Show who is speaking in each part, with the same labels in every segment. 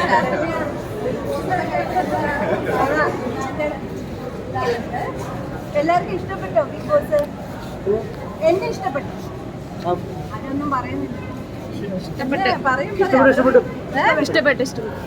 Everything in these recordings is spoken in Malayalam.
Speaker 1: എല്ലാവർക്കും ഇഷ്ടപ്പെട്ടോ ബിഗ് ബോസ്? എന്നെ ഇഷ്ടപ്പെട്ടു. അതൊന്നും പറയുന്നില്ല.
Speaker 2: ഇഷ്ടപ്പെട്ടു.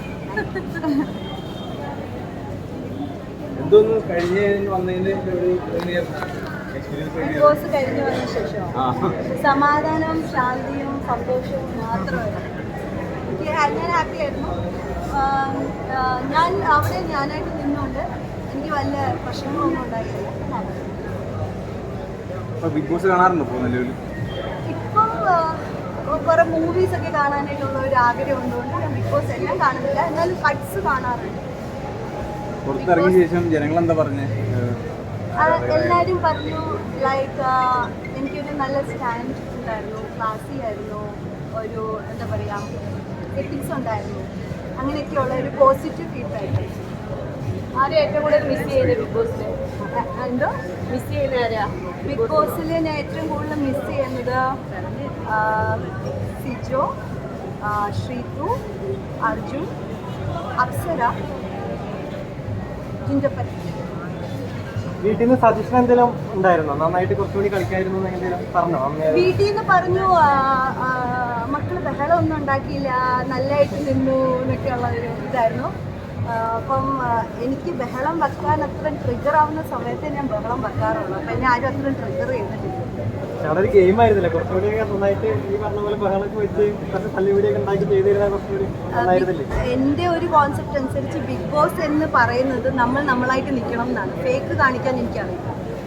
Speaker 1: ബിഗ് ബോസ് കഴിഞ്ഞു വന്ന ശേഷം സമാധാനവും ശാന്തിയും സന്തോഷവും മാത്രമല്ല. ഞാൻ ഹാപ്പി ആയിരുന്നു. ഞാൻ അവിടെ ഞാനായിട്ട് നിന്നുകൊണ്ട് എനിക്ക് വല്ല പ്രശ്നങ്ങളൊന്നും ഉണ്ടായില്ല.
Speaker 3: ബിഗ് ബോസ് കാണാറുണ്ടോ
Speaker 1: ഇപ്പം കുറെ മൂവീസ് ഒക്കെ കാണാനായിട്ടുള്ള ഒരു ആഗ്രഹം ഉള്ളതുകൊണ്ട് ഞാൻ ബിഗ് ബോസ് എല്ലാം കാണുന്നില്ല, എന്നാലും കട്ട്സ് കാണാറുണ്ട്.
Speaker 3: പുറത്തിറങ്ങിയ ശേഷം ജനങ്ങൾ എന്താ പറഞ്ഞേ?
Speaker 1: എല്ലാവരും പറഞ്ഞു ലൈക്ക് എനിക്കൊരു നല്ല സ്റ്റാൻഡ് ഉണ്ടായിരുന്നു, ക്ലാസി ആയിരുന്നു, ഒരു എന്താ പറയുക എത്തിക്സ് ഉണ്ടായിരുന്നു, അങ്ങനെയൊക്കെയുള്ള ഒരു പോസിറ്റീവ് ഫീഡ്ബാക്ക്.
Speaker 2: ആരും ഏറ്റവും കൂടുതൽ മിസ് ചെയ്യുന്നത് ബിഗ് ബോസിൽ?
Speaker 1: എന്തോ
Speaker 2: മിസ് ചെയ്യുന്ന ആരാ
Speaker 1: ബിഗ് ബോസിൽ ഞാൻ ഏറ്റവും കൂടുതൽ മിസ് ചെയ്യുന്നത് സിജോ, ശ്രീതു, അർജുൻ, അപ്സര, ജിൻഡപ്പൻ.
Speaker 4: വീട്ടിൽ നിന്ന് സജഷൻ എന്തെങ്കിലും ഉണ്ടായിരുന്നോ? നന്നായിട്ട് കുറച്ചുകൂടി കളിക്കായിരുന്നു എന്തെങ്കിലും പറഞ്ഞോ?
Speaker 1: വീട്ടിൽ നിന്ന് പറഞ്ഞു മക്കള് ബഹളം ഒന്നും ഉണ്ടാക്കിയില്ല, നല്ലതായിട്ട് നിന്നു എന്നൊക്കെയുള്ള ഒരു ഇതായിരുന്നു. അപ്പം എനിക്ക് ബഹളം വെക്കാൻ അത്ര ട്രിഗർ ആവുന്ന സമയത്ത് ഞാൻ ബഹളം വെക്കാറുള്ളൂ. അപ്പം എന്നെ ആരും അത്ര ട്രിഗർ ചെയ്യുന്നില്ല.
Speaker 4: അവിടെ ഒരു ഗെയിം ആയിരുന്നില്ല, കുറച്ചുകൂടി നന്നായിട്ട് ഈ പറഞ്ഞ പോലെ ബഹളമൊക്കെ വെച്ച് കുറച്ച് തല്ലുപിടിയൊക്കെ ഉണ്ടാക്കി ചെയ്തിരുന്നാൽ കുറച്ചുകൂടി നന്നായിരുന്നില്ലേ?
Speaker 1: എൻ്റെ ഒരു കോൺസെപ്റ്റ് അനുസരിച്ച് ബിഗ് ബോസ് എന്ന് പറയുന്നത് നമ്മളായിട്ട് നിൽക്കണം എന്നാണ്. ഫേക്ക് കാണിക്കാൻ എനിക്കറിയില്ല.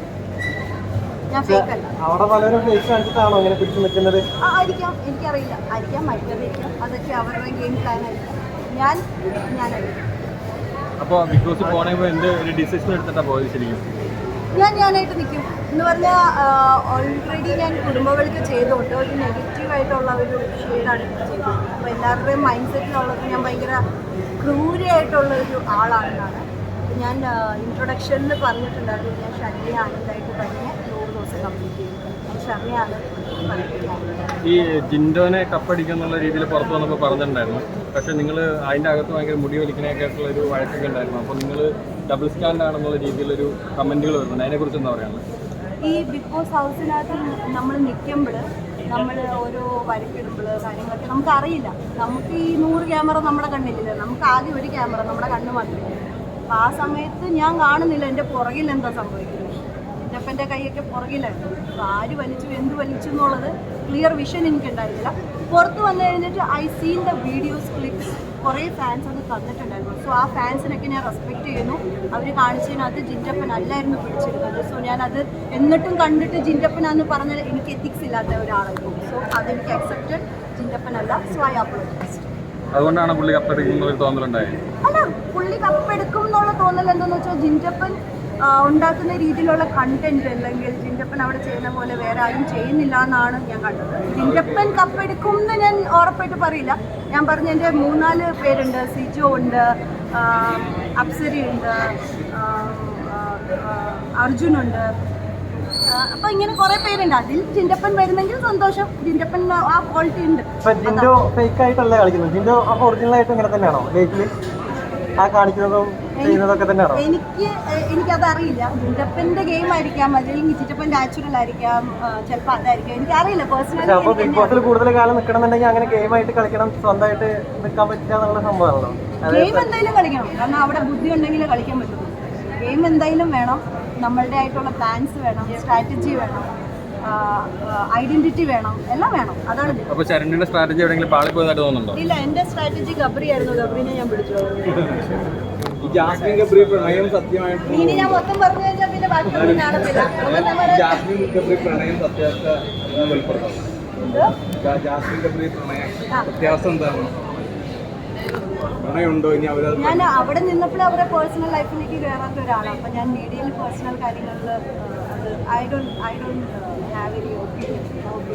Speaker 1: ഞാൻ ഫേക്ക് അല്ല.
Speaker 4: അവിടെ പലരും ഫേക്ക് കാണിച്ചിട്ടാണോ അങ്ങനെ പിടിച്ചു നിൽക്കുന്നത്?
Speaker 1: ആയിരിക്കാം, എനിക്കറിയില്ല. ആയിരിക്കാം, മറ്റേതായിരിക്കാം. അതൊക്കെ അവരുടെ ഗെയിം പ്ലാൻ ആയിരിക്കാം. ഞാനായിരിക്കും.
Speaker 3: അപ്പോൾ ബിഗ് ബോസ് പോകണമെങ്കിൽ എന്ത് ഒരു ഡിസിഷൻ എടുത്തിട്ടാണ് പോയത് ശരിക്കും?
Speaker 1: ഞാനായിട്ട് നിൽക്കും എന്ന് പറഞ്ഞാൽ ഓൾറെഡി ഞാൻ കുടുംബങ്ങൾക്ക് ചെയ്തുകൊണ്ട് ഒരു നെഗറ്റീവായിട്ടുള്ള ഒരു ഷെയ്ഡാണ് ചെയ്തത്. അപ്പോൾ എല്ലാവരുടെയും മൈൻഡ് സെറ്റിലുള്ളത് ഞാൻ ഭയങ്കര ക്രൂരയായിട്ടുള്ള ഒരു ആളാണെന്നാണ്. ഞാൻ ഇൻട്രൊഡക്ഷനിൽ പറഞ്ഞിട്ടുണ്ടായിരുന്നു ഞാൻ ഷർമിയ ആനന്ദായിട്ട് തന്നെ 100 ദിവസം കംപ്ലീറ്റ് ചെയ്തു. ഞാൻ ഷർമിയാണ്.
Speaker 3: ഈ ജിൻഡോനെ കപ്പടിക്കുന്നുള്ള രീതിയിൽ പുറത്തു വന്നപ്പോൾ പറഞ്ഞിട്ടുണ്ടായിരുന്നു. പക്ഷേ നിങ്ങൾ അതിൻ്റെ അകത്ത് ഭയങ്കര മുടി വലിക്കാനൊക്കെ ആയിട്ടുള്ള ഒരു വഴക്കൊക്കെ ഉണ്ടായിരുന്നു. അപ്പോൾ നിങ്ങൾ ഡബിൾ സ്റ്റാൻഡ് ആണെന്നുള്ള രീതിയിലൊരു കമൻറ്റുകൾ വരുന്നുണ്ട്. അതിനെക്കുറിച്ച് എന്താ പറയുന്നത്?
Speaker 1: ഈ ബിഗ് ബോസ് ഹൗസിനകത്ത് നമ്മൾ നിൽക്കുമ്പോൾ നമ്മൾ ഓരോ വരക്കിടുമ്പോൾ കാര്യങ്ങളൊക്കെ നമുക്കറിയില്ല. നമുക്ക് ഈ 100 ക്യാമറ നമ്മുടെ കണ്ണിലില്ല. നമുക്ക് ആദ്യം ഒരു ക്യാമറ നമ്മുടെ കണ്ണ് മാത്രമേ. അപ്പോൾ ആ സമയത്ത് ഞാൻ കാണുന്നില്ല എൻ്റെ പുറകിൽ എന്താ സംഭവിക്കുന്നത്. എൻ്റെ അപ്പൻ്റെ കൈയൊക്കെ പുറകിലായിരുന്നു. അപ്പോൾ ആര് വലിച്ചു എന്ത് വലിച്ചു എന്നുള്ളത് ക്ലിയർ വിഷൻ എനിക്കുണ്ടായിരുന്നില്ല. പുറത്ത് വന്നു കഴിഞ്ഞിട്ട് I seen the videos clips. കുറേ ഫാൻസ് അത് തന്നിട്ടുണ്ടായിരുന്നു. സോ ആ ഫാൻസിനൊക്കെ ഞാൻ റെസ്പെക്റ്റ് ചെയ്യുന്നു. അവർ കാണിച്ചതിനകത്ത് ജിൻഡപ്പൻ അല്ലായിരുന്നു പിടിച്ചിരുന്നത്. സോ ഞാനത് എന്നിട്ടും കണ്ടിട്ട് ജിൻഡപ്പനാന്ന് പറഞ്ഞാൽ എനിക്ക് എത്തിക്സ് ഇല്ലാത്ത ഒരാളായിരുന്നു. സോ അതെനിക്ക് അക്സെപ്റ്റഡ്. ജിൻഡപ്പൻ അല്ല. So I apologise.
Speaker 3: അതുകൊണ്ടാണ് പുള്ളി കപ്പെടുക്കുന്ന ഒരു തോന്നലുണ്ടായത്?
Speaker 1: അല്ല, പുള്ളി കപ്പെടുക്കും എന്നുള്ള തോന്നൽ എന്താണെന്ന് വെച്ചാൽ ജിൻഡപ്പൻ ഉണ്ടാക്കുന്ന രീതിയിലുള്ള കണ്ടന്റ് അല്ലെങ്കിൽ ജിൻഡപ്പൻ അവിടെ ചെയ്യുന്ന പോലെ വേറെ ആരും ചെയ്യുന്നില്ല എന്നാണ് ഞാൻ കണ്ടത്. ജിൻഡപ്പൻ കപ്പെടുക്കും എന്ന് ഞാൻ ഉറപ്പായിട്ട് പറയില്ല. ഞാൻ പറഞ്ഞ എൻ്റെ 3-4 പേരുണ്ട്. സിജോ ഉണ്ട്, അപ്സരയുണ്ട്, അർജുനുണ്ട്. അപ്പോൾ ഇങ്ങനെ കുറേ പേരുണ്ട്. അതിൽ ജിൻഡപ്പൻ വരുന്നെങ്കിൽ സന്തോഷം. ജിൻഡപ്പൻ ആ ക്വാളിറ്റി ഉണ്ട്.
Speaker 4: ജിൻഡോ ഫേക്ക് ആയിട്ടല്ല കളിക്കുന്നത്. ജിൻഡോ അപ്പോൾ ഒറിജിനൽ ആയിട്ട് ഇങ്ങനെ തന്നെയാണോ ലൈഫിൽ ആ കാണിക്കുന്നതും ചെയ്യുന്നതൊക്കെ തന്നെയാണോ?
Speaker 1: എനിക്കതറിയില്ല. ജിൻഡപ്പൻ്റെ ഗെയിം ആയിരിക്കാം, അല്ലെങ്കിൽ ജിൻഡപ്പൻ നാച്ചുറൽ ആയിരിക്കാം, ചിലപ്പോൾ അതായിരിക്കാം. എനിക്കറിയില്ല പേഴ്സണലി.
Speaker 4: അപ്പോൾ ബിഗ് ബോസിൽ കൂടുതൽ കാലം നിൽക്കണമെന്നുണ്ടെങ്കിൽ അങ്ങനെ ഗെയിമായിട്ട് കളിക്കണം, സ്വന്തമായിട്ട് നിൽക്കാൻ പറ്റില്ല എന്നുള്ള സംഭവമാണല്ലോ.
Speaker 1: ഗെയിം എന്തായാലും കളിക്കണം. കാരണം അവിടെ ബുദ്ധി ഉണ്ടെങ്കിലേ കളിക്കാൻ പറ്റുള്ളൂ. ഗെയിം എന്തായാലും വേണം. നമ്മളുടെ ആയിട്ടുള്ള പ്ലാൻസ് വേണം, സ്ട്രാറ്റജി വേണം, ഐഡന്റിറ്റി വേണം, എല്ലാം വേണം. അതാണ്.
Speaker 3: അപ്പോൾ ശരണ്യയുടെ സ്ട്രാറ്റജി എവിടെയെങ്കിലും പാളി പോയതായിട്ട് തോന്നുന്നുണ്ടോ?
Speaker 1: ഇല്ല, എൻ്റെ സ്ട്രാറ്റജി ഗബ്രി ആയിരുന്നു. ഗബ്രിനെ ഞാൻ പിടിച്ചു. ഇനി ഞാൻ മൊത്തം പറഞ്ഞു കഴിഞ്ഞാൽ പിന്നെ ബാക്കിയൊന്നും കാണത്തില്ല. ഞാൻ അവിടെ നിന്നപ്പോൾ അവരുടെ പേഴ്സണൽ ലൈഫിലേക്ക് കയറാത്ത ഒരാളാണ്. അപ്പം ഞാൻ മീഡിയയിൽ പേഴ്സണൽ കാര്യങ്ങളിൽ I don't have any opinion.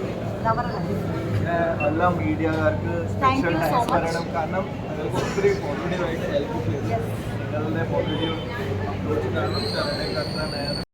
Speaker 4: എല്ലാ മീഡിയക്കാർക്ക് കാരണം ഒത്തിരി പോസിറ്റീവായിട്ട് ഹെൽപ്പ് ചെയ്തു. നിങ്ങളുടെ പോസിറ്റീവ്